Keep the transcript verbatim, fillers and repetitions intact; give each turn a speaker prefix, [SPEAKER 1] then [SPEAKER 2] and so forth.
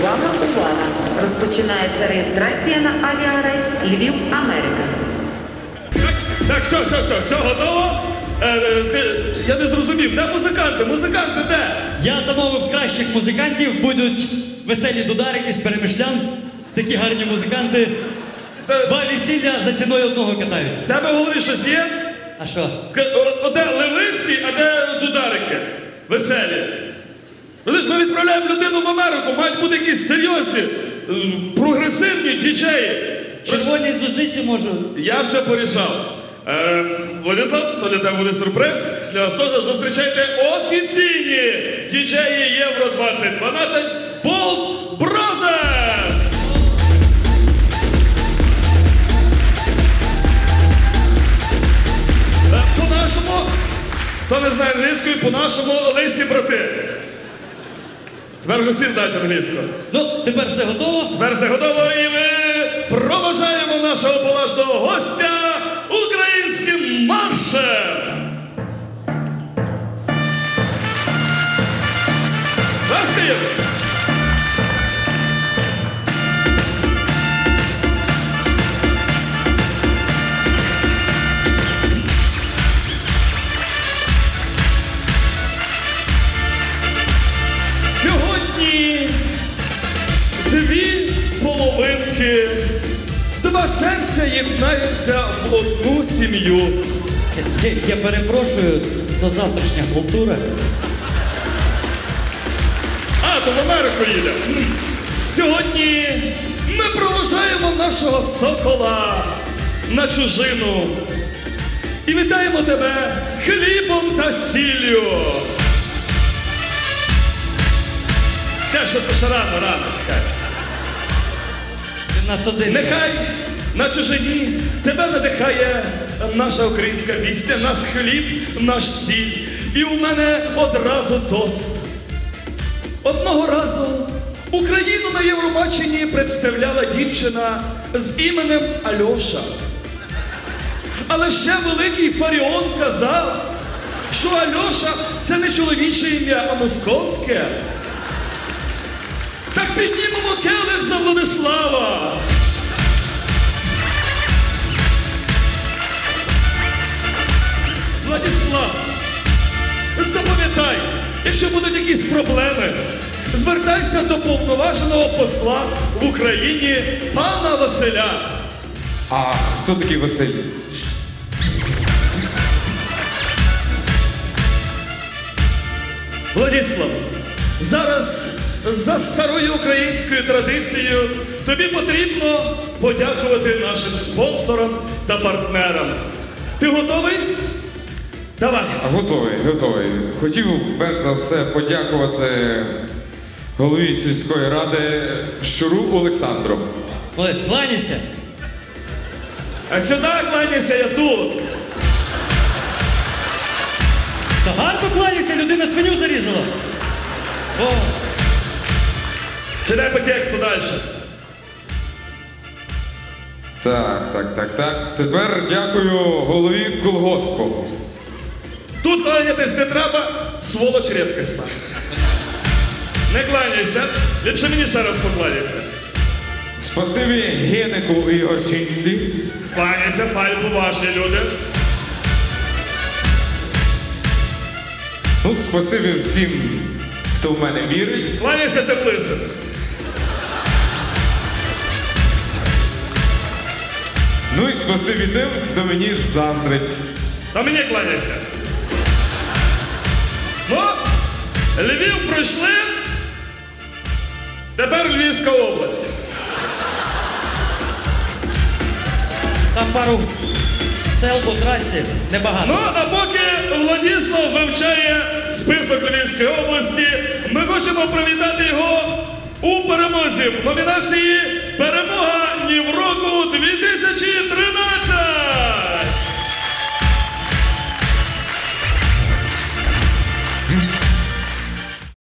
[SPEAKER 1] Увага, увага! Розпочинається реєстрація на авіарейс Львів-Америка.
[SPEAKER 2] Так, так, все, все, все, все готово? Е, е, я не зрозумів, де музиканти? Музиканти де?
[SPEAKER 3] Я замовив кращих музикантів, будуть веселі дударики з Перемишлян, такі гарні музиканти.
[SPEAKER 2] Та-
[SPEAKER 3] Два весілля за ціною одного катають.
[SPEAKER 2] В тебе в голові щось є?
[SPEAKER 3] А що?
[SPEAKER 2] Ка- о- о, Де Левицький, а де дударики? Веселі. Видиш, ми відправляємо людину в Америку, мають бути якісь серйозні, е, прогресивні діджеї.
[SPEAKER 3] Червоній зузиці можу.
[SPEAKER 2] Я все порішав. Е, Владислав, то для тебе буде сюрприз. Для вас теж зустрічайте офіційні діджеї Євро двадцять дванадцять Bolt Brothers! Е, По-нашому, хто не знає англійської, по-нашому лисі брати. Тепер вже всі знають англійську.
[SPEAKER 3] Ну, тепер все готово.
[SPEAKER 2] Тепер все готово і ми проважаємо нашого поважного гостя українським маршем! Настів! Сьогодні дві половинки, два серця єднаються в одну сім'ю.
[SPEAKER 3] Я, я перепрошую, то завтрашня халтура.
[SPEAKER 2] А, то в Америку їде. Сьогодні ми проважаємо нашого сокола на чужину. І вітаємо тебе хлібом та сіллю. Чекай, що ти ще рано, рано, чекай.
[SPEAKER 3] Ти нас один.
[SPEAKER 2] Нехай на чужині тебе надихає наша українська пісня, наш хліб, наш сіль. І у мене одразу тост. Одного разу Україну на Євробаченні представляла дівчина з іменем Альоша. Але ще великий Фаріон казав, що Альоша – це не чоловіче ім'я, а московське. Так піднімемо келих за Владислава. Владислав, запам'ятай, якщо будуть якісь проблеми, звертайся до повноваженого посла в Україні пана Василя.
[SPEAKER 4] А хто такий Василь?
[SPEAKER 2] Владислав, зараз за старою українською традицією тобі потрібно подякувати нашим спонсорам та партнерам. Ти готовий? Давай.
[SPEAKER 4] Готовий, готовий. Хотів перш за все подякувати голові сільської ради Щуру Олександру.
[SPEAKER 3] Молодець, кланяйся.
[SPEAKER 2] А сюди кланяйся, я тут.
[SPEAKER 3] Та гарно кланяйся, людина свиню зарізала. О,
[SPEAKER 2] Читай по тексту далі.
[SPEAKER 4] Так, так, так, так. Тепер дякую голові колгоспу.
[SPEAKER 2] Тут кланятись не треба, сволоч рідкісна. Не кланяйся, ліпше мені ще раз покланяйся.
[SPEAKER 4] Спасибі Генику і його жінці.
[SPEAKER 2] Кланяйся, фай, поважні люди.
[SPEAKER 4] Ну, спасибі всім, хто в мене вірить.
[SPEAKER 2] Кланяйся, теплиця.
[SPEAKER 4] Ну і спасибі тим, хто мені заздрить.
[SPEAKER 2] А мені кланяйся. Ну, Львів пройшли, тепер Львівська область.
[SPEAKER 3] там пару сел по трасі, небагато.
[SPEAKER 2] Ну, а поки Владислав вивчає список Львівської області, ми хочемо привітати його у перемозі в номінації «Перемога Нівроку дві тисячі тринадцять».